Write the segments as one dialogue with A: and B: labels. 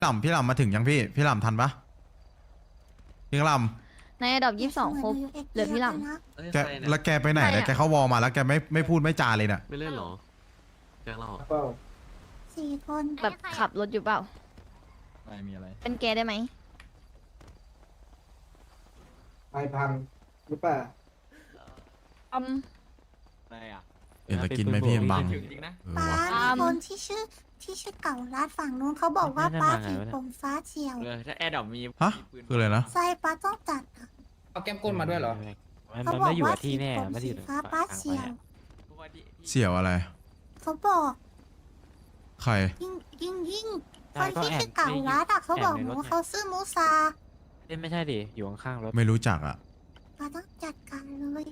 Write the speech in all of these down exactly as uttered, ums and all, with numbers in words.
A: ลำพี่ลำมาถึงยังพี่พี่ลำทันปะพี่ลำ
B: ในระดับยี่สิบสองครบเหลือพี่ล
A: แกแล้วแกไปไหนเนี่ยแกเขาวอลมาแล้วแกไม่ไม่พูดไม่จาเลยเนี่ย
C: ไม่เล่นหรอแกเรา
D: สี่คน
B: ำแบบขับรถอยู่เปล่า
E: ไม่มีอะไร
B: เป็นแกได้ไหม
F: ไอพังหรือเปล่า
B: อืม
C: อะไรอ่ะ
A: เดี๋ยวจะกินไหมพี่บัง
C: จริงนะ
A: เออ
D: ป้า
A: ว่ะ
D: มีคนที่ชื่อที่ชื่อเก่าร้านฝั่งนู้นเขาบอกว่าป้าผีผมฟ้าเฉียว
C: เออถ้าแอร์ดอกมี
A: ฮะคืออะไรนะ
D: ใช่ป้าต้องจัดอะ
G: เอาแก้มก้นมาด้วยเหรอ
H: มัน
D: เขา
H: มัน
D: บอ
H: ไม่
D: ก
H: อยู่
D: ว่า
H: กับที่แน่
D: ผม
H: ไม่ได้
D: สี
H: อยู่
D: ฟ้าป้าเฉียว
A: เสี่ยวอะไร
D: เขาบอก
A: ใคร
D: ยิ่งยิ่งยิ่งคนที่ชื่อเก่าร้านอะเขาบอกหนูว่าเขาซื้อมูซา
H: เล่นไม่ใช่ดิอยู่ข้างๆรถ
A: ไม่รู้จักอ่ะ
D: ป้าต้องจัดการเลย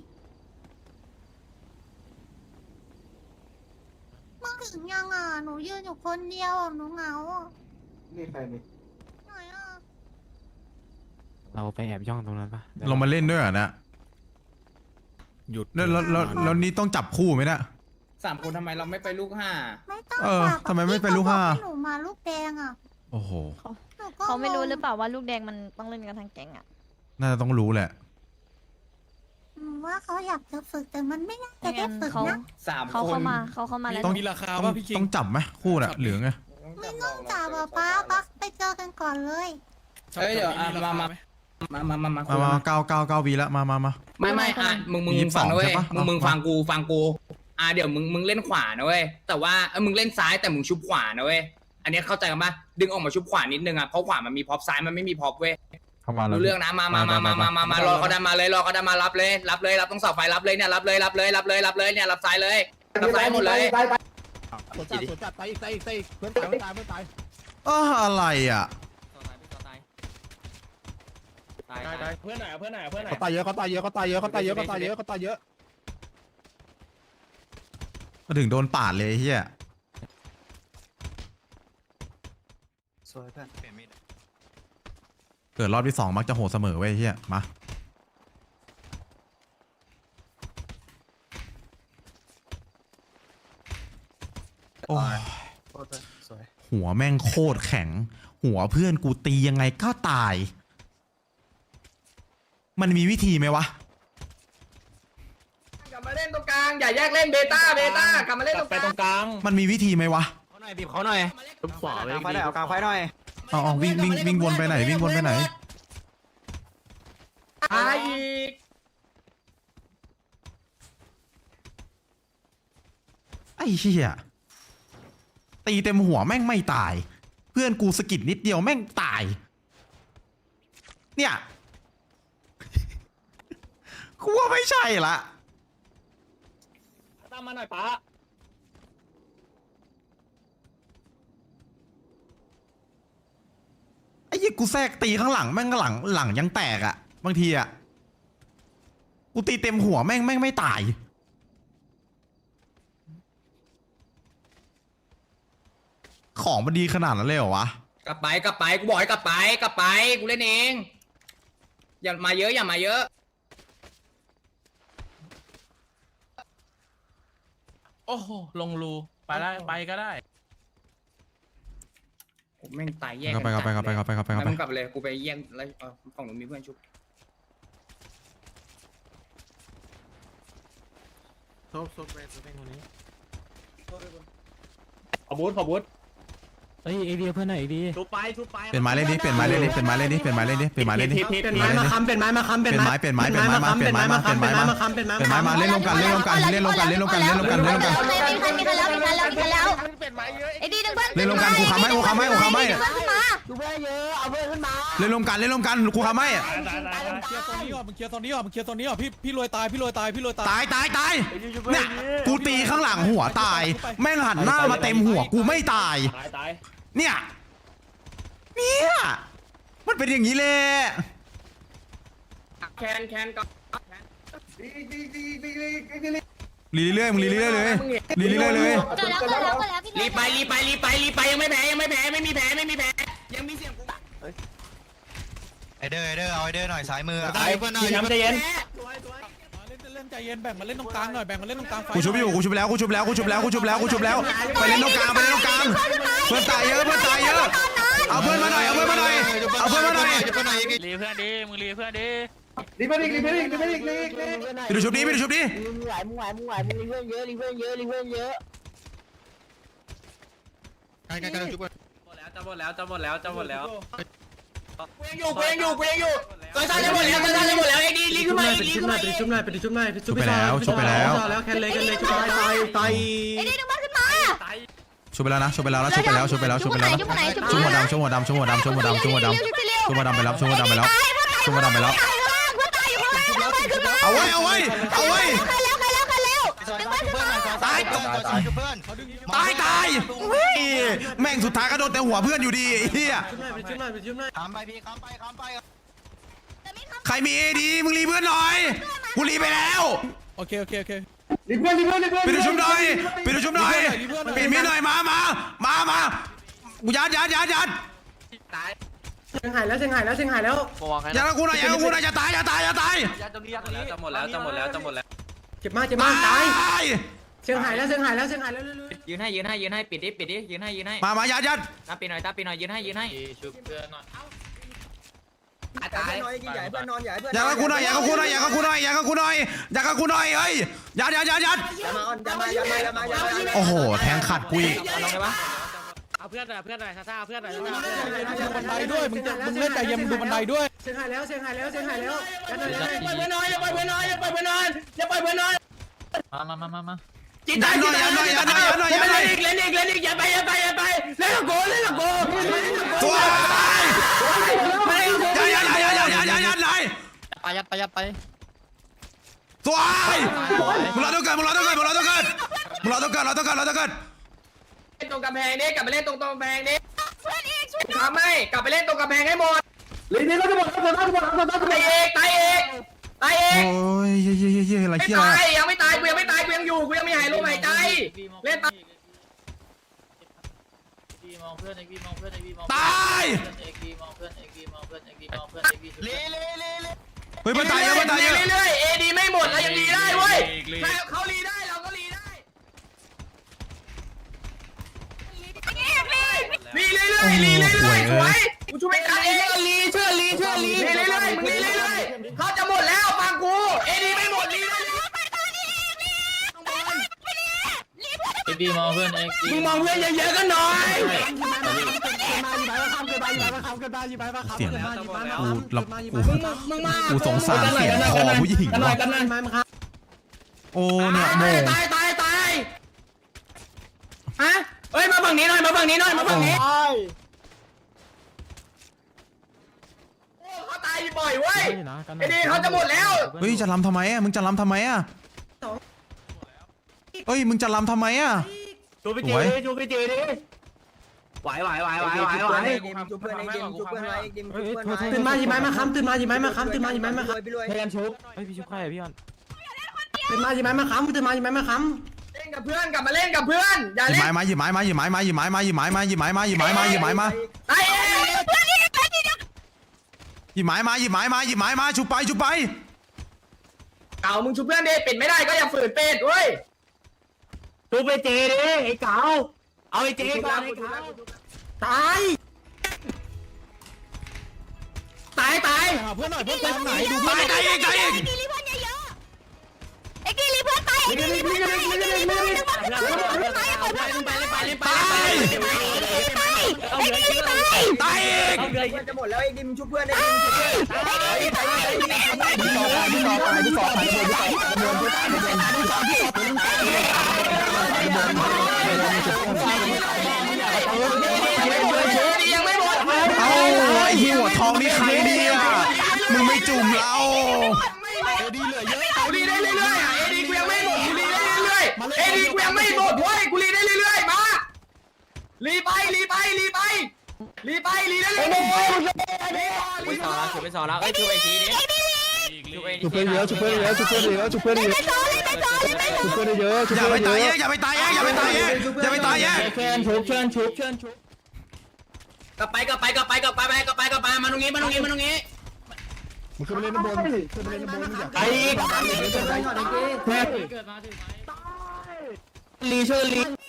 D: มึงถึงยังอ่ะหนูยืนอยู่คนเดียวอ่ะหนูเหงาอ่ะ
F: นี่ใครนี่
D: ไหนอ่ะ
H: เราไปแอบย่องตรงนั้นปะ
A: ลงมาเล่นด้วยเหรอนะ
E: หยุด
A: แล้วแล้วแล้วแล้วนี่ต้องจับคู่ไหมเนะ
G: สามคนทำไมเราไม่ไปลูกห้า
D: ไม่ต้อง
A: เออ
D: จับอะ
A: ทำไมไม่เป็นลูกห้า
D: พี่เขบอกให้หนูมาลูกแดงอ่ะ
A: โอ้โห
D: หนูก็
B: เขาไม่รู้
D: งง
B: หรือเปล่าว่าลูกแดงมันต้องเล่นกันทั้งแก๊งอ่ะ
A: น่าจะต้องรู้แหละ
D: หนูว่าเขาอยากจะฝึกแต่มันไม่น่าจะ
B: ไม่
D: ได้
B: งั้น
D: ฝึก
B: เขา
D: นะ
G: สาม
B: เขา
G: คน
B: เข้ามาเขาเข้ามาแล้ว
A: ต้อง
E: มีราคา
A: ต้อง
E: ป่ะพี่คิง
A: ต้องจับไหมคู่น่ะเหลืองไง
D: ไม่ต้องจับอ่ะป้าป้าไปเจอกันก่อนเลย
G: เฮ้ยเดี๋ยวอ่ะมามามามามามา
A: มามาเก้าเก้าเก้าวีละมามามา
G: ไม่ไม่อ่ะมึงมึง
A: ยี่สิบส
G: ฟั
A: อง
G: งนะเว้ย
A: ใช่ปะ
G: มึงมึง
A: เอา
G: ฟังกูฟังกูอ่ะเดี๋ยวมึงมึงเล่นขวานะเว้ยแต่ว่าเออมึงเล่นซ้ายแต่มึงชุบขวานะเว้ยอันเนี้ยเข้าใจกันปะดึงออกมาชุบขวานิดนึงอ่ะเพราะขวามันมีพร็อพซ้ายมันไม่มีพร็อพเว้ย
E: เข้ามาแล้ว
G: รู้เรื่องนะมามามามามามามารอเขาดันมาเลยรอเขาดันมารับเลยรับเลยรับต้องเสาไฟรับเลยเนี่ยรับเลยรับเลยรับเลยรับเลยเนี่ยรับซ้ายเลยรับซ้ายหมดเลย
F: ตายตาย
E: สวนจัดสวนจัดตายอีกตายอีกตายอีกเพื่อนตายเพื่อนตายเพื่อนตาย
A: อ้าอะไรอ่ะ
C: ตายตาย
E: เพื่อนไหนเพื่อนไหนเพื่อนไหนเขาตายเยอะเขาตายเยอะเขาตายเยอะเขาตายเยอะเขาตายเยอะเขาตายเยอะ
A: มาถึงโดนปาดเลยเฮีย
F: สวยเพื่อนเปลี่ยนมีด
A: เกิดรอบที่สองมักจะโหดเสมอเว้ยเฮียมาโอ้ย
F: สวย
A: หัวแม่งโคตรแข็ง หัวเพื่อนกูตียังไงก็ตาย มันมีวิธีไหมวะ
G: กลับมาเล่นตรงกลางอย่าแยกเล่นเบต้าเบต้ากลับมาเล่นตรง
E: ไป
G: กลาง
E: ตรงกลาง
A: มันมีวิธีไหมวะ
H: เขาหน่อยบีบเขาหน่อย
C: ทุบขวาไป
F: กลางไฟหน่อยเอากลางไฟหน่อย
A: เอาเอาวิ่งวิ่งวิ่งวนไปไหนวิ่งวนไปไหน
G: ตายอีก
A: ไอ้เหี้ยตีเต็มหัวแม่งไม่ตาย เพื่อนกูสะกิดนิดเดียวแม่งตาย เนี่ยกูว่าไม่ใช่ละ
E: ตามมาหน่อยป้า
A: ไอ้เหี้ยกูแทรกตีข้างหลังแม่งหลังหลังยังแตกอะบางทีอะกูตีเต็มหัวแม่งแม่งไม่ตาย ของมันดีขนาดนั้นเลยเหรอวะ
G: กลับไปกลับไปกูบอกให้กลับไปกลับไปกูเล่นเองอย่ามาเยอะอย่ามาเยอะ
E: โอ้โหลงรูไปได้ไปก็ได้
G: ผมแม่งตายแยก
A: เข้าไปเข้าไปเข้าไปเข้าไปเข้าไปเข้า
G: งั้น
A: ไป
G: มึงกลับไปเลยกูไปแย่งแล้วเออฝั่งหนูมีเพื่อนชุบ
E: ขอบูทขอบูท
H: เฮ้ยเอเดียเพื่อนหน่อยเอเดีย
E: ชุบไปชุบไป
A: เปลี่ยนไม้เล่นดิเปลี่ยนไม้เล่นดิเปลี่ยนไม้เล่นดิเปลี่ยนไม้เล่นดิเปลี่ยนไม้เล่นดิ
E: เปลี่ยน
A: เปลี่ยนไม้เล่นดิ
G: เปลี่ยนไม้มาค้ำ
A: เปลี่ยนไม้เปลี่ยนไม้เปลี่ยนไม้มาเปลี่ยนไม้มาเปลี่ยนไม้มาเปลี่ยนไม้มาเปลี่ยนไม้มาเล่นรวมกันเล่นรวมกันเล่นรวมกันเล่นรวมกันเล่นรวมกันเล่นรวมกัน
B: มีคันมีคันแล้วมีคันแล้วมีคันแล้วไอ้ดีดึงเพื่อน
A: เล่นรวมกันกูทำให้กูทำให้กูทำให้
B: ดึงเพื่อนขึ้นมา
A: เล่นรวมกันเล่นรวมกันกูทำให้
E: ตายตายตายเคลียร์โซนนี้ก่อนมึงเคลียร์โซนนี้ก่อนมึงเคลียร์โซนนี้ก่อนพี่พี่รวยตายพี่รวยตายพี่รวยตาย
A: ตายตายตายเนี่ยกูตีข้างหลังหัวตายแม่งหันหน้ามาเต็มหัวกูไม่ตาย
E: ตายตาย
A: เนี่ยเนี่ยมันเป็นอย่างนี้เลย
G: แคนแคนก็
A: รีเรื่อยๆมึงรีเรื่อยๆเลยรีเรื่อยๆเลย
B: เกิดแล้วเกิดแล้วเกิดแล้วพี่
G: รีบไปรีบไปรีบไปรีบไปยังไม่แพ้ยังไม่แพ้ไม่มีแพ้ไม่มีแพ้ยังมีเสียงกู
F: ไอเดอร์ไอเดอร์เอาไอเดอร์หน่อยซ้ายมือ
E: ตายเพื่อนหน่อยน้ำใจเย็น
G: สวยสวย
E: เล่นเล่นใจเย็นแบ่งมาเล่นตรงกลางหน่อยแบ่งมาเล่นตรงกลางไฟ
A: กูชุบอยู่กูชุบแล้วกูชุบแล้วกูชุบแล้วกูชุบแล้วกูชุบแล้วไปเล่นตรงกลางไปเล่นตรงกลางเพื่อนตายเยอะเพื่อนตายเยอะเอาเพื่อนมาหน่อยเอาเพื่อนมาหน่อยเอาเพื่อนมาหน่อย
I: รีเพื่อนดิมึงรีเพื่อนดิ
J: รีบไปดิรีบไปดิรีบไปดิรีบไปดิ
A: ไปดูชุบนี้ไปดูชุบนี้
B: มึงไหวมึงไหวมึงไหวมึงรีเพื่อนเยอะรีเพื่อนเยอะรีเพื่อนเยอะ
F: ใกล้ใกล้ใกล้ชุบ
C: จะหมดแล้วจะหมดแล้วจะหมดแล้ว
G: กูยังอยู่กูยังอยู่กูยังอยู่ตอนจะหมดแล้วตอนจะหมดแล้วไอ้ดีรีขึ้นมารีขึ้นมา
H: ชุบหน่อยไปชุบหน่อยไป
A: ชุบไปแล้วชุบไปแล้ว
H: แล้วแค่เลยกันเลยชุบตายตายตาย
B: ไอ้ดีดึงบ้านขึ้นมา
A: ชุบไปแล้วนะชุบไปแล้วนะชุบไปแล้วชุบไปแล้วชุบไปแล้ว
B: ชุบไหนชุบไหน
A: ชุบหัวดำชุบหัวดำชุบหัวดำชุบหัวดำชุบหัวดำชุบหัวดำไปแล้วชุบหัวดำไปแล้วชุบหัวดำไปแล้วเอาไว้เอาไว้เอาไว้
B: ใครแล้วใครแล้วใครแล้วดึงบ้านขึ้นมา
A: ตาย
F: ตายตายเพื่อน
A: ตายตายแม่งสุดท้ายก็โดนแต่หัวเพื่อนอยู่ดีเฮีย
H: ไปชุบหน่อยไปชุบหน่อย
F: ข้ามไปพี่ข้ามไปข้ามไป
A: ใครมีเอดีมึงรีเพื่อนหน่อยกูรีไปแล้ว
E: โอเคโอเคโอเค
J: รีบเพื่อนรีบเพื่อนรีบเพื่อน
A: ไปดูชุบหน่อยไปดูชุบหน่อยปิดมีดหน่อยมามามามากูยัดยัดยัดยัด
H: เชียงหายแล้วเชียงหายแล้วเชียงหายแล้ว
A: ยัดกับกูหน่อยยัดกับกูหน่อยจะตายจะตายจะตาย
C: จะหมดแล้วจะหมดแล้วจะหมดแล้ว
H: เจ็บมากเจ็บมากตาย
A: ตาย
H: เชียงหายแล้วเชียงหายแล้วเชียงหายแล้ว
C: ยืนให้ยืนให้ยืนให้ปิดดิปิดดิยืนให้ยืนให้
A: มามายัดยัด
C: ตาปิดหน่อยตาปิดหน่อยยืนให้ยืนให้
G: ตาย
A: ยัดกับกูหน่อยยัดกับกูหน่อยยัดกับกูหน่อยยัดกับกูหน่อยยัดกับกูหน่อยเฮ้ยยัดยัดยัดยัดโอ้โหแทงขัดกูอีก
C: ลงได้ปะ
I: เอาเพื่อนหน่อยเพื่อนหน่อยซ่าเพื่อนหน่อย
E: ดูบันไดด้วยมึงจะมึงเล่นใจเย็นมึงดูบันไดด้วย
H: เชียงหายแล้วเชียงหายแล้วเชียงหายแล้วกันหน่อย
G: อย่าปล่อยเพื่อนน้อยอย่าปล่อยเพื่อนน้อยอย่าปล่อยเพื่อนน้อยอย่าปล่อยเพื่อนน้อย
C: มามามามา
G: จิตใจจิตใจเล่นอีกเล่นอีกเล่นอีกอย่าไปอย่าไปอย่าไปเล่นกับกูเล่นกับกู
A: ตัวยัดยัดยัดยัดยัดยัดยัดเลย
C: ไปยัดไปยัดไป
A: ตัวมึงรอตัวเกิดมึงรอตัวเกิดมึงรอตัวเกิดมึงรอตัวเกิดรอตัวเกิดรอตัวเกิด
G: เล่นตรงกำแพงนี้กลับไปเล่นตรงตรงกำแพงนี้ทำไม่กลับไปเล่นตรงกำแพงให้หมด
J: รีบนี่ก็จะหมดแล้วจะหมดแล้วจะหมดแล้วจะหมด
G: ตายเอกตายเอกตายเอ
A: โอ้
G: ก
A: ยเย่เย่เย่อะไร
G: ไม่
A: เที่ยอะไร
G: ตายยังไม่ตายกูยังไม่ตายกูยังอยู่กูยังไม่หายลมหายใจเล่นตาย
A: ตายเฮ้ยมันตายเยอะมันตายเยอะ
G: เรื่อยๆเอดีไม่หมดแล้วยังรีได้เว้ยเขารีได้เราก็รีได้รีเรื่อยๆรีเรื่อยๆสวยกูช่วยไม่ทันเองรีเชื่อรีเชื่อรีรีเรื่อยๆมึงรีเรื่อยๆเขาจะหมดแล้วฟังกูเอดีไม่หมดรีได้
C: ดีมองเพื่อนเอง
G: มึงมองเพื่อนเยอะๆกันหน่อย
A: เสียงกูรับกู
G: มึงมา
A: กูสงสารเสียงคอผู้หญิง
G: กันหน่อ
A: ว่ะ
G: ยกันหน่อย
A: โอ้เนี่ยโม
G: ตายตายตายฮะเฮ้ยมาฝั่งนี้หน่อยมาฝั่งนี้หน่อยมาฝั่งนี้โอ้เขาตายบ่อยเว้ยไอ้นี่เขาจะหมดแล้ว
A: เฮ้ยจะลำทำไมอ่ะมึงจะลำทำไมอ่ะเฮ้ยมึงจะลำทำไมอ่ะ
H: ชูไปเจดิชูไปเจดิไหวไหวไหวไหวไหวไหวตื่นมาหยิบไม้มาค้ำตื่นมาหยิบไม้มาค้ำตื่นมาหยิบไม้มาค้ำพยายามชุบเฮ้ยพี่ชุบใครอะพี่ออนตื่นมาหยิบไม้มาค้ำตื่นมาหยิบไม้มาค้ำ
G: เล่นกับเพื่อนกลับมาเล่นกับเพื่อนอย่า
A: หยิบ
G: เล่น
A: ไม้มาหยิบไม้มาหยิบไม้มาหยิบไม้มาหยิบไม้มาหยิบไม้มาหยิบไม้มาหยิบไม้มา
G: ตายเอง
A: หยิบไม้มาหยิบไม้มาหยิบไม้มาชุบไปชุบไป
G: เก่ามึงชุบเพื่อนดิปิดไม่ได้ก็อย่าฝืนเป็ดเว้ย
H: ชูไปเจดิไอ้เก๋าเอาไอ้เจก่อนไอ้เก๋าตาย
G: ตายตาย
E: หาเพื่อนหน่อยเพื่อนไปทางไหนดู
A: ตายตายอีกตายอีก
B: ไอ้กีรีเพื่อนเยอะๆไอ้กีรีเพื่อนตายไอ้กีรีเพื่อนตายไอ้กีรีเพื่อนตายไอ้กีรีเพื่อนตายไอ้กีรีเพื่อนตายไอ้กีรีเพื่อนตาย
A: ตาย
B: ไอ้กีรีตาย
A: ตายอีก
G: จะหมดแล้วไอ้ดิมชุบเพื่อนไอ้ดิมชุบเพื่อนยังไม่หมด
A: เอ้าไอ้หัวทองนี่ใครเนี่ยมึงไม่จุ่มเรา
G: เอดีเหลือเยอะกูรีได้เรื่อยๆเอดีกูยังไม่หมดกูรีได้เรื่อยๆเอดีกูยังไม่หมดเว้ยกูรีได้เรื่อยๆมารีไปรีไปรีไปรีไปรีได้เรื่อยๆ
C: ไปสอนแล้วชุบไปสอนแล้วเอ้ยชุบไอ้ทีนี้ชุบไอ้
J: ชุบเพื่อนเยอะชุบเพื่อนเยอะชุบเพื่อนเยอะชุบเพื่อนเยอะชุบเพื่อนเยอะชุบ
A: อย่า
J: เพื่
A: ไป
J: อนเย
A: ตาย
J: อะ
A: แยกอย่าไปตายแยกอย่าไปตายแยกอย่าไปตายแยก
H: เชิญชุบเชิญชุบเชิญชุบ
G: กลับไปกลับไปกลับไปกลับไปกลับไปกลับไปมาตรงนี้มาตรงนี้มาตรงนี้
J: มึงขึ้นไปเล่นน้ำบนขึ้นไปเล่นน้ำบนมึงอยาก
H: ไอ้ลีเชิญลี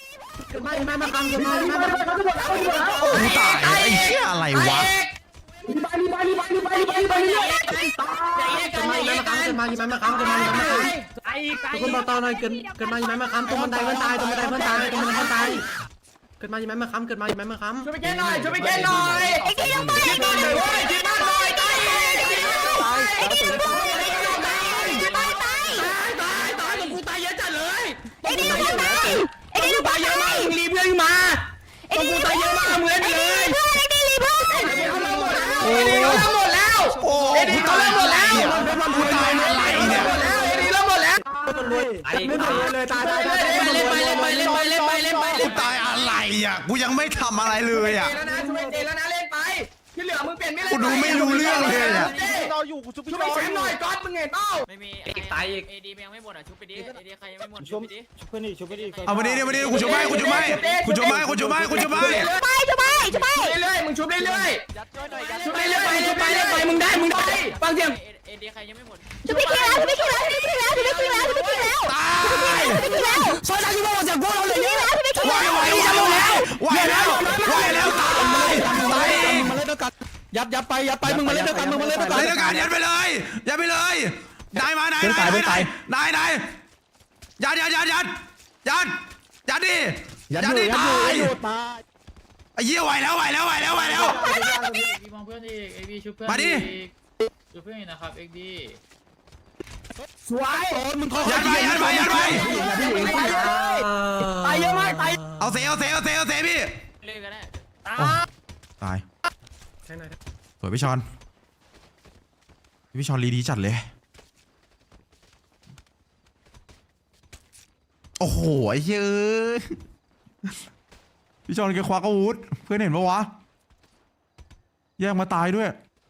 H: เกิดมายิงไหมมาค้ำเกิดมายิงไหมมาค้ำ
A: กูตายไอ้เหี้ยอะไรวะ
H: รีบไปรีบไปรีบไปรีบไปรีบไปรีบไปเรื่อยเกิดมายิงไหมมาค้ำเกิดมายิงไหมมาค้ำเกิดมายิงไหมมาค้ำ
I: ไอ้ไก่
H: ทุกคนบอกต่อหน่อยเกิดเกิดมายิงไหมมาค้ำตรงบันไดเพื่อนตายตรงบันไดเพื่อนตายตรงบันไดเพื่อนตายเกิดมายิงไหมมาค้ำเกิดมายิงไหมมาค้ำ
G: ช่วยไปแก้หน่อยช่วยไปแก้หน่อย
B: ไอ้กี้ยังไปไอ้กี้ยังไป
G: คิดมากหน่อยตาย
B: ไอ้กี้ยังไปตายตาย
G: ตายตายตรงกูตายเยอะจัดเลย
B: ไอ้กี้ยังไปไอ้กี้ยังไป
G: ตายเยอะมากมึงรีเพื่อนมาตรงกูตายเยอะมากมึงเล่นไปเลย
B: เพื่อนไอ้กี้รีเพื่อน
G: เอ็ดเขาเริ่มหมดแล้วเอ็ดเขาเริ่มหมดแล้ว
A: โอ้
G: เอ็ดเขาเริ่มหมดแล้ว
A: กูตายอะไรเนี่ย
G: หมดแล้วเอ็ดเริ่มหมดแล้ว
H: ไม่ตายเลยตายตายตาย
G: เล่นไปเล่นไปเล่นไปเล่นไปเล่นไป
A: กูตายอะไรอ่ะกูยังไม่ทำอะไรเลยอ่ะ
G: แล้วนะช่วยเจแล้วนะเล่นไปที่เหลือมึงเปลี่ยนไม่เล่น
A: กูดูไม่รู้เรื่องเลยอะ
J: เราอยู่กูชุบพี่
G: ช่วย
J: จอ
G: แชมป์หน่อยก๊อตมึงเห็นเปล่า
C: ไม่มีเอกตายอีกเอดียังไม่หมดอ่ะชุบไปดิเอดีใครยังไม่หมดชุบไปดิ
J: ชุบเพื่อนดิชุบเพื่อนดิ
A: เอามาดิดิมาดิกูจะไม่กูจะไม่กูจะไม่กูจะไม่กูจะไม่
B: ไปจะไปจะไป
G: ชุบเรื่อยๆมึงชุบเรื่อย
J: ยัดช่วยหน่อยยัด
G: ๆชุบเรื่อยๆไปเรื่อยๆไปเรื่อยๆไปมึงได้มึงได้ฟังเสียง
C: เอดีใครยังไม่หมด
B: จะไปคิงแล้วจะไปคิงแล้วจะไปคิงแล้วจะไปคิงแล้วจะไปคิงแล้ว
A: ตาย
B: จะไปคิงแล้ว
G: ซอยทางที่บอกจากพวกเราเลย
B: คิงแล้วจะไปคิง
A: ไหว
B: แล้ว
A: ไหวไหวแล้วไหวแล้วไหวแล้วตายตาย
E: มาเล่นด้วยกันยัดยัดไปยัดไปมึงมาเล่นด้วยกันมึงมาเล่นด้วยกัน
A: เล่นด้วยกันยัดไปเลยยัดไปเลยนายมานายนายนายนายนายยัดยัดยัดยัดยัดยัดดิยัดดิตาย
J: ตาย
A: ไอ้เหี้ยไหวแล้วไหวแล้วไหวแล้วไหวแล้ว
C: ดีมองเพื่อนอีกเอ็กดีชุบเพื่อน
A: มาดิ
C: ชุบเพื่อนนะครับเอ็กดี
G: สวย
E: โอนมึงคอย
A: ยัดไปยัดไปยัดไป
G: ตายเยอะมากตาย
A: เอาเซเอาเซเอาเซเอาเซพี่
C: เล่นกันได้
A: ตายสวยพี่ชอนพี่ชอนรีดีจัดเลยโอ้โหไอ้เหี้ยเอ้ยพี่ชอนแกควักอาวุธเพื่อนเห็นปะวะแยกมาตายด้วย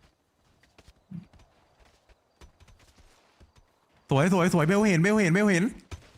A: สวยสวยสวยเบลเห็นเบลเห็นเบลเห็น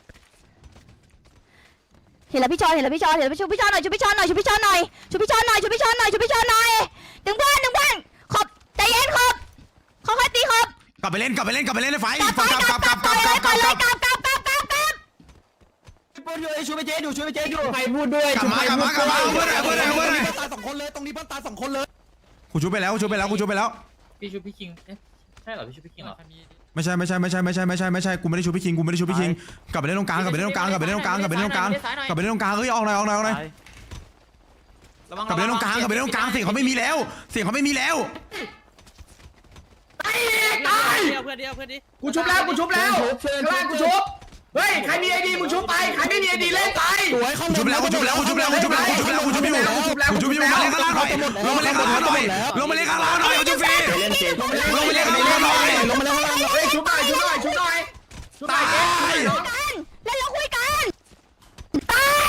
B: เห็นแล้วพี่ชอนเห็นแล้วพี่ชอนเห็นแล้วชุบพี่ชอนหน่อยชุบพี่ชอนหน่อยชุบพี่ชอนหน่อยชุบพี่ชอนหน่อยชุบพี่ชอนหน่อยชุบพี่ชอนหน่อยดึงเพื่อนดึงเพื่อนขอบใจเย็นขอบเขาค่อยตีขอบ
A: กลับไปเล่นกลับไปเล่นกลับไปเล่นในไฟ
B: กลับ
A: กลับกลับกลับกลับกลับกลับกลับ
B: กลับกลับกลับกลับกลับ
G: พูดด้วยช่วยไปเจ๊ดูช่วยไปเจ๊ดูใครพูดด้วย
A: กลับมากลับมากลับมาเอาเพื่อนหน่อยเอาเพื่อนหน่อยเอาเพื่อนหน่อย
E: ตายสองคนเลยตรงนี้เพื่อนตายสองคนเลย
A: กูชุบไปแล้วกูชุบไปแล้วกูชุบไปแล้ว
C: พี่ชุบพี่คิงเอ๊ะใช่เหรอพี่ชุบพี่คิงเหรอ
A: ไม่ใช่ไม่ใช่ไม่ใช่ไม่ใช่ไม่ใช่ไม่ใช่กูไม่ได้ชุบพี่คิงกูไม่ได้ชุบพี่คิงกลับไปเล่นตรงกลางกลับไปเล่นตรงกลางกลับไปเล่นตรงกลางกลับไปเล่นตรงกลางกลับไปเล่นตรงกลางเฮ้ยออกหน่อยออกหน่อยออกหน่อยกลับไปเล่นตรงกลางกลับไปเล่นตรงกลางเสียงเขาไม่มีแล้ว เสียงเขาไม่มีแล้ว
G: ตายตาย
I: เดียวเพื่อนเดียวเพื่อนดิ
G: กูชุบแล้วกูชุบแล้วข้างล่างกูชุบเฮ้ยใครมีไอดีมึงชุบไปใครไม่มีไอดีเล่นไป
E: สวยเข้า
A: กูชุบแล้วกูชุบแล้วกูชุบแล้วกูชุบแล้วกูชุบแล้วกูชุบอยู่กูชุบอยู่มาเล่นข้างล่างหน่อยลงมาเล่นข้างล่างหน่อยลงมาเล่นข้างล่างหน่อยเอาจุ๊บฟรีลงมาเล่นข้างล่างหน่อย
E: ลงมาแล้วข้างล่าง
G: เฮ้ยชุบหน่อยชุบหน่อยชุบหน่อยชุบหน่
A: ตา
G: อย
A: ย
B: กันแล้วเราคุยกันตาย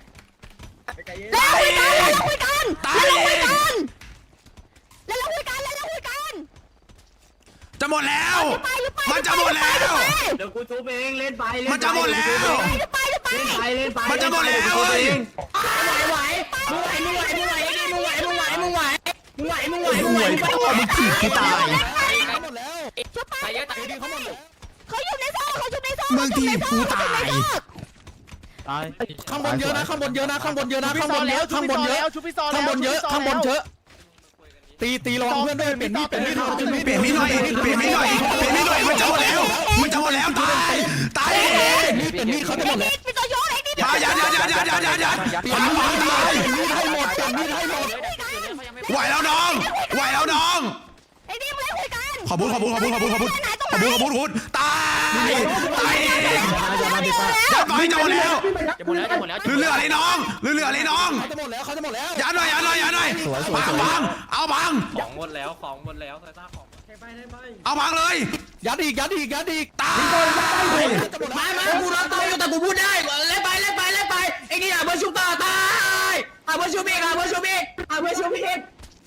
B: แล้วคุยกันแล้วคุยกันแล้วเราคุยกันแล้วเราคุยกันแล้วเราคุยกัน
A: จะหมดแล้ว
B: ไปหรือไป
A: มันจะหมดแล้ว
H: เดี๋ยวกูชุบเองเล่นไปเล่น
A: มันจะหมดแล้ว
B: หรือไปหรือไป
H: ไปเล่นไป
A: มันจะหมดแล้วเฮ้ย
G: ไหวมึงไหวมึงไหวมึงไหวมึงไหวมึงไหวมึงไหวมึงไหวมึงไหวมึงไหวมึงไหวมึงไหว
A: มึงถีบกูตาย
E: หมดแล้ว
B: ชุบไป
C: ตายเยอะตาย
E: ดีเขาหมดแล้ว
B: เขาอยู่ในโซ่เขาอยู่ในโซ่
A: มึงถีบกูตาย
J: ตาย
E: ข้างบนเยอะนะข้างบนเยอะนะข้างบนเยอะนะข้างบนเยอะข้างบนเยอะ
J: ชุบพี่ซอ
E: ข้างบนเยอะข้างบนเยอะตีตีระวังเพื่อนด้วยเปลี่ยนมีดเปลี่ยนมีด
A: เปลี่ยนมีดหน่อยเปลี่ยนมีดหน่อยเปลี่ยนมีดหน่อยมันจะหมดแล้วมันจะหมดแล้วตายตาย
E: มีดเปลี่ยนมีดเขาจะหมดแล้ว
B: เป็นตัวโยนไอ้นี่
A: มายัดยัดยัดยัดยัดยัดยัด
E: เปลี่ยนมีดตายมีดให้หมดเปลี่ยนมีดให้หมด
A: ไหวแล้วน้องไหวแล้วน้อง
B: ไอ้นี่ไม่คุยกัน
A: ขอบุญขอบุญขอบุญขอบุญขอบุญขอบุญขอบุญขอบุญตายตายเองยัดไปจะหมดแล้ว
C: จะหมดแล้วจะหมดแล้ว
A: เรืออะไรน้องเรืออะไรน้อง
E: เขาจะหมดแล้วเขาจะหมดแล้ว
A: ยัดหน่อยยัดหน่อยยัดหน่อยบังบังเอาบัง
C: ของหมดแล้วของหมดแล้วใส่ตาของ
A: เอาบังเลย
E: ยัดอีกยัดอีกยัดอีก
A: ตาย
G: มามากูรอตายอยู่แต่กูพูดได้เล่นไปเล่นไปเล่นไปไอ้นี่อ่ะเบอร์ชุบต่อตายอ่ะเบอร์ชุบอีกอ่ะเบอร์ชุบอีกอ่ะเบอร์ชุบอีก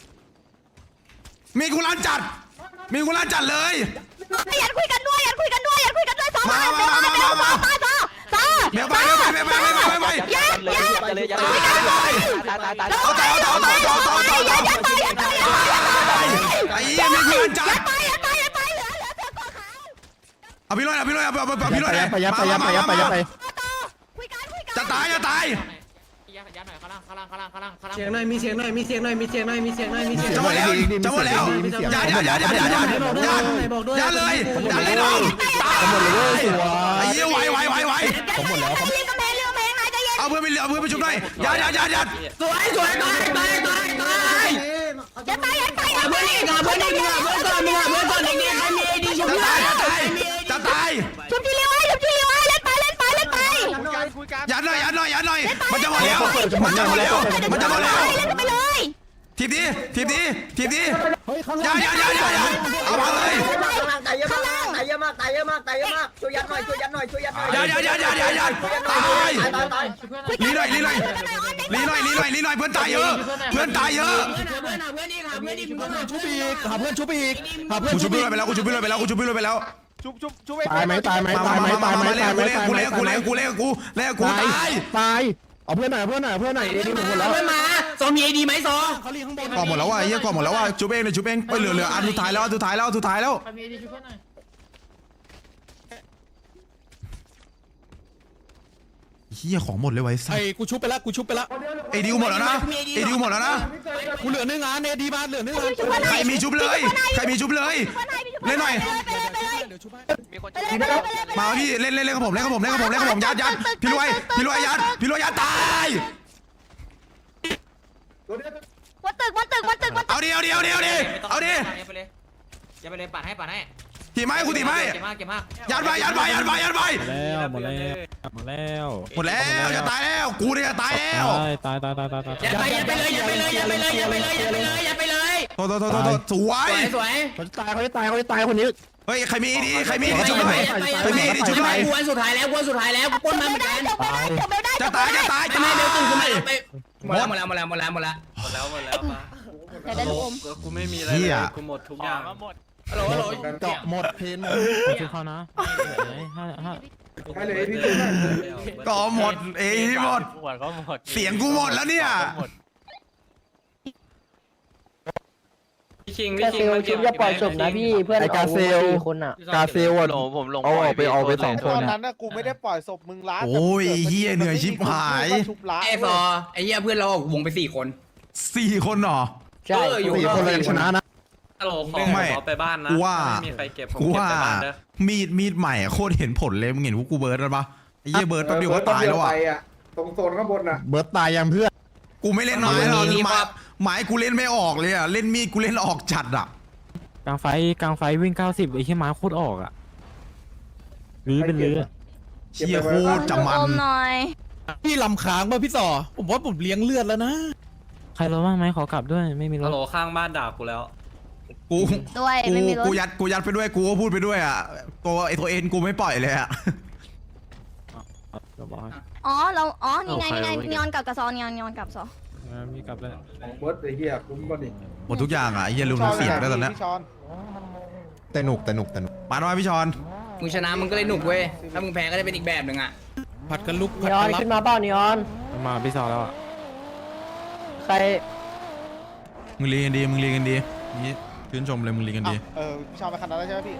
A: มีกุลันจัดมีกุลันจัดเลย
B: ยันคุยกันด้วยยันคุยกันด้วยยันคุยกันด้วยสองมามามามามามาต่อต่อ
A: เบลไปเบลไปเบลไปเบลไปเบลไป
B: ยันยัน
J: เลยยัด
B: คุยกันด้วย
J: ตายตายตาย
A: เอาต่อเอาต่อเอาต่อเอาต่อเอาต่อเอาต่อ
B: ยันยันไปยันไปยันไปยันไป
A: ไอ้ยี่มีกุลันจั
B: ยั
A: ด
B: นไปยันไปยันไปเหลือเหลือเสือก่อขาว
A: เอาพี่ลอยเอาพี่ลอยเอาเอาพี่ลอย
J: ไปยัดไปยัดไปยัดไปยัดไปยัดไป
B: ต่อคุยกันคุยกัน
A: จะตายจะตาย
C: ยหน่อยข้างล่างข้างล่างข้างล่างข้างล่างข้างล่าง
H: เสียงหน่อยมีเสียงหน่อยมีเสียงหน่อยมีเสียงหน่อยมีเสียงหน่อยมีเสียง
A: จะหมดแล้วจะหมดแล้วยัดยัดยัดยัดยัดยัดยัดยัดเลยยัดเลยน้องตาย
J: หมดเลยเว้ยสวย
A: ไอ้เหี้ยไหวไหวไหวไหว
J: ผมหมดแล้วครับ
B: เรียกกำแพงเรียกกำแพงนายใจเย็น
A: เอาเพื่อนไปเหลือเพื่อนไปชุบหน่อยยัดยัดยัดยัด
G: สวยสวยตายตายตายตาย
B: อย่าตายอย่าตายอย่า
G: เพื่อน
B: ตาย
G: อีกอ่ะเพื่อนอีกอ่ะเพื่อนก่อนมึงอ่ะเพื่อนก่อนเด็กๆใครมีไอดีชม
A: จะ
G: พู่
A: ตายจะตายจะตาย
B: ชุบทีเรียวไว้ชุบทีเรียวไว้เล่นไปเล่นไปเล่นไป
A: ยัดหน่อยยัดหน่อยยัดหน่อยมันจะหมดแล้วมันจะหมดแล้วมันจะหมดแล้ว
B: เล่นไปเลย
A: ทีบดีทีบดีทีบดี
J: เฮ้ยข้าง
A: ยั
J: ล่าง
A: ดยัดยัดยัดยัดเอามาเลย
G: ตายเยอะมากตายเยอะมากตายเยอะมากตายเยอะมากช่วยยัดหน่อยช่วยยัดหน่อยช่วยยัดหน่อย
A: ยัดยัดยัดยัดยัดยัดตาย
G: ตายตายตาย
A: ลีหน่อยลีหน่อยลีหน่อยลีหน่อยลีหน่อยเพื่อนตายเยอะเพื่อนตายเยอะ
G: เพื่อนเพื่อนเพื่อนอีกหาเพื่อนอีกมึงต้องหา
J: ชุบอีกหาเพื่อนชุบอีกหาเพื่อน
A: กูชุบพี่เลยไปแล้วกูชุบพี่เลยไปแล้วกูชุบพี่เลยไปแล้ว
J: ตายไหมตายไหม
A: มา
J: ตายไหม
A: มา
J: ตายไหม
A: มาเล่
J: ตาย
A: น
J: ไหม
A: กูเล่นกูเล่นกูเล่นกูเล่นกูเล่นกูตาย
J: ตายเอาเพื่อนหน่อยเพื่อนหน่อยเพื่อนหน่อยเอดีหมดแล้ว
G: เพื่อนมาซอมีไอดีไหมซอ
J: เขาเรียกข้างบน
A: ก่อหมดแล้วว่ะเฮียก่อหมดแล้วว่ะชุบเองเลยชุบเองไปเหลือเหลืออันสุดท้ายแล้วอันสุดท้ายแล้วอันสุดท้ายแล้ว
C: ใครมีไอดีชุบเพื่อนหน่อย
A: เฮียของหมดเลยไว้สั
E: ไอ้กูชุบไปแล้วกูชุบไปแล้ว
A: ไอ้ดิวหมดแล้วนะไอ้ดิวหมดแล้วนะ
E: กูเหลือหนึ่งงานเอดีมาเหลือหนึ่งงาน
A: ใครมีชุบเลยใครมีชุบเลยเล่นหน่อย
B: ไปเลยไปเลย
E: เดี๋ยวชุบให้
B: ไปเลยไปเลยไปเลย
A: มาพี่เล่นเล่นเล่นกับผมเล่นกับผมเล่นกับผมเล่นกับผมยัดยัดพี่รวยพี่รวยยัดพี่รวยยัดตาย
B: วันตึกวันตึกวันตึกวันตึก
A: เอาดิเอาดิเอาดิเอาดิเอาดิ
C: ไปเลยอย่าไปเลยปัดให้ปัดให้
A: ตีไม้กูตีไม้
C: เก็บมากเก็บมาก
A: ยัดไปยัดไปยัดไปยัดไป
K: แล้วหมดแล้วหมดแล้ว
A: หมดแล้วจะตายแล้วกูเนี่ยจะตายแล้ว
K: ตายตายตายตายตาย
G: อย่าไปอย่าไปเลยอย่าไปเลยอย่าไปเลยอย่าไปเลยอย่าไปเลยอย่าไปเลย
A: โทษโทษโทษโทษสว
G: ส
A: ย
G: วยสวย
J: เขาจะตายเขาจะตายเขาจะตายคนนี้
A: เฮ้ยใครมีดีใครมีดีชุบหน่อยใครมีดีชุบหน่อย
G: กวนสุดท้ายแล้วกวนสุดท้ายแล้วกูปนมาเหมือนกัน
B: จบไม่ได้จบไม่ได้
A: จะตายจะตาย
G: ทำไมเบลตื่นขึ้นมาไปหมดแล้วหมดแล้วหมดแล้วหมดแล้วหมดแล้ว
I: หมดแล้วหมดแล้วมา
B: เดี๋ยวได้ลูกอม
I: กูไม่มีอะไรเลยกูหมดทุกอย่างหมด
G: ฮัลโหลฮัลโหล
J: เกาะหมดเพน
K: ผมช่วยเขานะห้าห้า
A: ก็หมดเอ้ยหมด
I: หมดก็หมด
A: เสียงกูหมดแล้วเนี่ย
I: พี่คิงพี่คิงมันเก็บ
J: ไอ้กาเซลกาเซลอ่ะ
I: ผมลง
J: เอาออกไปเอาไปสองคน
L: นั้นนะกูไม่ได้ปล่อยศพมึงล้า
A: โอ้ยเฮียเหนื่อยชิบหาย
G: ไอ้ซอไอ้เหี้ยเพื่อนเราวงไปสี่คน
A: สี่คนเหรอ
G: ใช่อยู่
J: สี่คนเรายังชนะนะ
I: ฮัลโหลขอ
A: ไม่
I: ขอไปบ้านนะ
A: กูว่า
I: ไม่มีใครเก็บผม
A: กู
I: เก็บ
A: ว่า
I: ไปบ้านเด้อ
A: มีดมีดใหม่โคตรเห็นผลเลยมึงเห็นพวกกูเบิร์ดแล้วปะไอ้เหี้ยเบิร์ดแป๊บเดียวก็ตายแล้วอ่ะ
L: ตรงโซนข้างบนน่ะ
J: เบิร์ตตายยังเพื่อน
A: กูไม่เล่นไม้หรอกไม้ไม้กูเล่นไม่ออกเลยอ่ะเล่นมีดกูเล่นออกจัดอ่ะ
K: กลางไฟกลางไฟวิ่งเก้าสิบไอ้ขี้ม้าโคตรออกอ่ะรื้อเป็นรื้อ
A: เชี่ยโคตรจะมัน
B: ลูกอมหน่อย
E: พี่ลำค้างป่ะพี่ต่อผมว่าผมเลี้ยงเลือดแล้วนะ
K: ใครรถบ้างไหมขอกลับด้วยไม่มีร
I: ฮัล
K: ถ
I: โหลข้างบ้านด่ากูแล้ว
A: กู
B: ด้วย
A: กู
B: ไม่มีรถ
A: กูยัดกูยัดไปด้วยกูก็พูดไปด้วยอ่ะตัวไอ้ตัวเอ็นกูไม่ปล่อยเลยอ่ะ
K: เดี๋ยวบอกให้
B: อ๋อเราอ๋อนี่ไงนี่ไงนีออนกับกระซอนนีออนนีออนกับซอ
K: มีกลับแล้ว
L: เบิร์ดไอ้เหี้ยคุ้มก่อนดิ
A: หมดทุกอย่างอ่ะไอ้เหี้ยลืมเสียงได้ตอนเนี้ย
L: พี่ชอน
J: แต่หนุกแต่หนุกแต่หนุก
A: มาหน่อยพี่ชอน
G: มึงชนะมึงก็เลยหนุกเว้ยถ้ามึงแพ้ก็ได้เป็นอีกแบบหนึ่งอ่ะ
E: ผัดกันลุกผัดกันรับ
K: มาพี่ซอแล้วอ่ะ
A: มึงเรียนกันดีมึงเรียนกันดีนี่ชื่นชมเลยมึงเรียนกันดี
L: เออพี่ชอนไปคันนั้นแล้วใช่ไหมพี่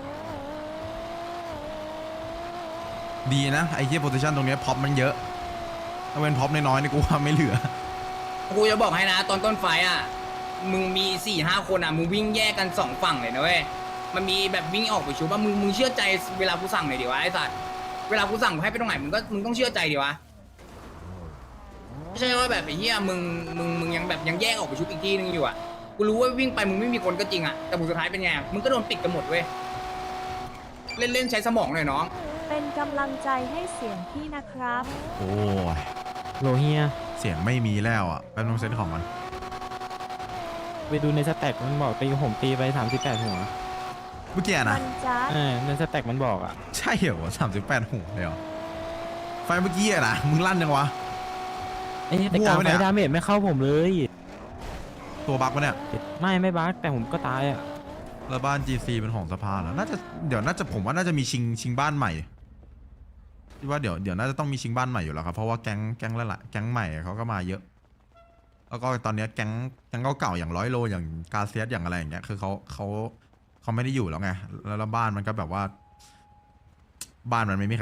A: ดีนะไอ้เหี้ยโพซิชันตรงเนี้ยพ็อปมันเยอะถ้าเป็นพ็อปน้อยๆนี่กูว่าไม่เหลือ
G: กูจะบอกให้นะตอนต้นไฟอ่ะมึงมีสี่ห้าคนอ่ะมึงวิ่งแยกกันสองฝั่งเลยนะเว้ยมันมีแบบวิ่งออกไปชูว่ามึงมึงเชื่อใจเวลากูสั่งหน่อยดิวะไอ้สัตว์เวลากูสั่งให้ไปตรงไหนมึงก็มึงต้องเชื่อใจดิวะไม่ใช่ว่าแบบไอ้เหี้ยมึงมึงมึงยังแบบยังแยกออกไปชุบอีกที่นึงอยู่อ่ะกูรู้ว่าวิ่งไปมึงไม่มีคนก็จริงอ่ะแต่ผลสุดท้ายเป็นไงมึงก็โดนปิดกันหมดเว้ยเล่นเล่นใช้สมองหน่อยน้อง
D: เป็นกำลังใจให้เสียงพี่นะครับ
A: โอ้ย
K: โลเฮีย
A: เสียงไม่มีแล้วอ่ะแป๊บนึงเซตของมัน
K: ไปดูในสแต็กมันบอกตีผมตีไปสามสิบแปดหัว
A: เมื่อกี้อะนะ
D: มันจ้า
K: เออในสแต็กมันบอกอ่ะ
A: ใช่เหรอสามสิบแปดหัวเลยเหรอไฟเมื่อกี้อะนะมึงลั่นยังวะ
K: ไอ้ยแต่กลาง
A: มั่วปะ
K: ไฟ
A: เนี่ย
K: ดาเมจไม่เข้าผมเลย
A: ตัวบั๊กปะเนี่ย
K: ไม่ไม่บั๊กแต่ผมก็ตายอ่ะ
A: แล้วบ้าน จี ซี เป็นของสภาแล้วน่าจะเดี๋ยวน่าจะผมว่าน่าจะมีชิงชิงบ้านใหม่คิดว่าเดี๋ยวเดี๋ยวน่าจะต้องมีชิงบ้านใหม่อยู่แล้วครับเพราะว่าแก๊งแก๊งละละแก๊งใหม่เขาก็มาเยอะ แล้วก็ตอนเนี้ยแก๊งแก๊งเก่าๆอย่างร้อยโลอย่างกาเซียสอย่างอะไรอย่างเงี้ยคือเขาเขาเขาไม่ได้อยู่แล้วไงแล้วแล้วบ้านมันก็แบบว่า บ้านมันไม่มี